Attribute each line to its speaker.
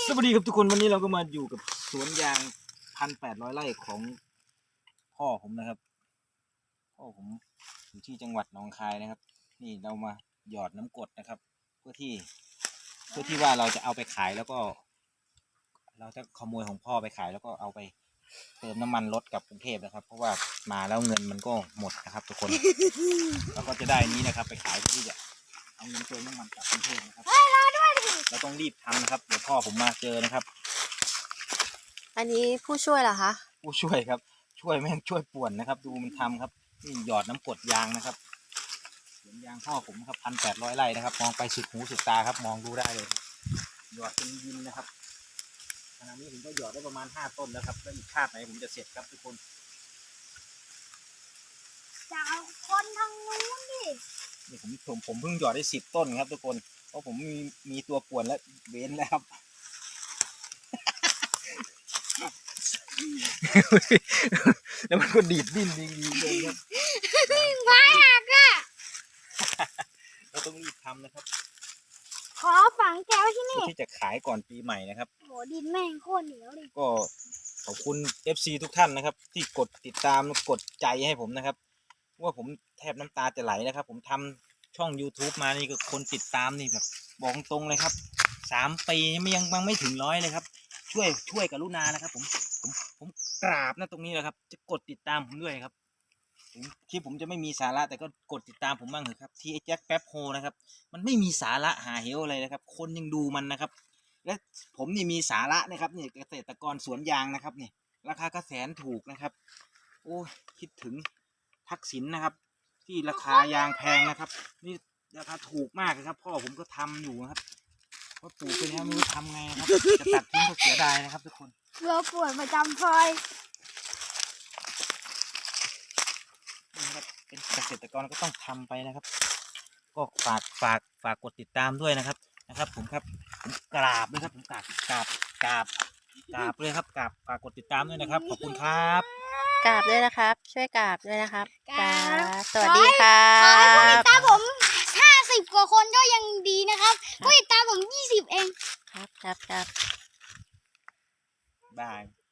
Speaker 1: สวัสดีครับทุกคนวันนี้เราก็มาอยู่กับสวนยาง1,800 ไร่ของพ่อผมนะครับพ่อผมอยู่ที่จังหวัดหนองคายนะครับนี่เรามาหยอดน้ำกรดนะครับเพื่อที่ว่าเราจะเอาไปขายแล้วก็ เราจะขโมยของพ่อไปขายแล้วก็เอาไปเติมน้ำมันรถกับกรุงเทพนะครับ เพราะว่ามาแล้วเงินมันก็หมดนะครับ ทุกคนเราก็จะได้นี้นะครับ ไปขายเพื่อที่จะเอาเงินเติมน้ำมันกลับกรุงเทพนะครับเราต้องรีบทำนะครับเดี๋ยวพ่อผมมาเจอนะครับ
Speaker 2: อันนี้ผู้ช่วยเหรอคะ
Speaker 1: ผู้ช่วยครับช่วยแม่งช่วยป่วนนะครับ ดูมันทำครับนี่หยอดน้ำกรดยางนะครับสวนยางพ่อผมครับ1,800 ไร่นะครับมองไปสุดหูสุดตาครับมองดูได้เลยหยอดเป็นยินนะครับขณะนี้ผมก็หยอดได้ประมาณ5 ต้นแล้วครับแล้วอีกคาดไหนผมจะเสร็จครับทุกคน
Speaker 3: จะเอาคนทางนู้นดิ
Speaker 1: นี่ผมเพิ่งหยอดได้10 ต้นครับทุกคนเพราะผมมีตัวป่วนและเว้นแล้วครับแล้วมันก็ดีดดิ้นดีเลยครับ
Speaker 3: ไม้หักอ่ะ
Speaker 1: เราต้องรีบทำนะครับ
Speaker 3: ขอฝังแก้วที่นี่
Speaker 1: ที่จะขายก่อนปีใหม่นะครับ
Speaker 3: โหดินแม่งโคตรเหนียวเลย
Speaker 1: ก็ขอบคุณ FC ทุกท่านนะครับที่กดติดตามกดใจให้ผมนะครับว่าผมแทบน้ำตาจะไหลนะครับผมทำช่อง YouTube มานี่ก็คนติดตามนี่แบบบอกตรงเลยครับ3 ปียังไม่ถึง100เลยครับช่วยกรุณานะครับผมกราบนะตรงนี้แหละครับจะกดติดตามผมด้วยครับคลิปผมจะไม่มีสาระแต่ก็กดติดตามผมบ้างเถอะครับที่แจ็คแป๊บโฮนะครับมันไม่มีสาระหาเหวอะไรนะครับคนยังดูมันนะครับและผมนี่มีสาระนะครับนี่เกษตรกรสวนยางนะครับนี่ราคาก็แสนถูกนะครับโอ้คิดถึงทักษิณนะครับที่ราคายางแพงนะครับนี่ราคาถูกมากเลยครับพ่อผมก็ทำอยู่นะครับเพราะปลูกไปแล้วไม่รู้ทำไงนะครับจะตัดทิ้งก็เสียดายนะครับทุกคน
Speaker 3: เราปวดประจำพลอย
Speaker 1: นี่ครับเป็นเกษตรกรก็ต้องทำไปนะครับก็ฝากกดติดตามด้วยนะครับผมครับผมกราบเลยครับผมกราบเลยครับฝากกดติดตามด้วยนะครับขอบคุณครับ
Speaker 2: กราบด้วยนะครับช่วยกราบด้วยนะครับกราบสวัสดีครั
Speaker 3: ขอให้ผู้ติด
Speaker 2: บ
Speaker 3: ตามผม50 กว่าคนก็ยังดีนะครับผู้ติดตามผม20 เอง
Speaker 2: ครับ
Speaker 1: บาย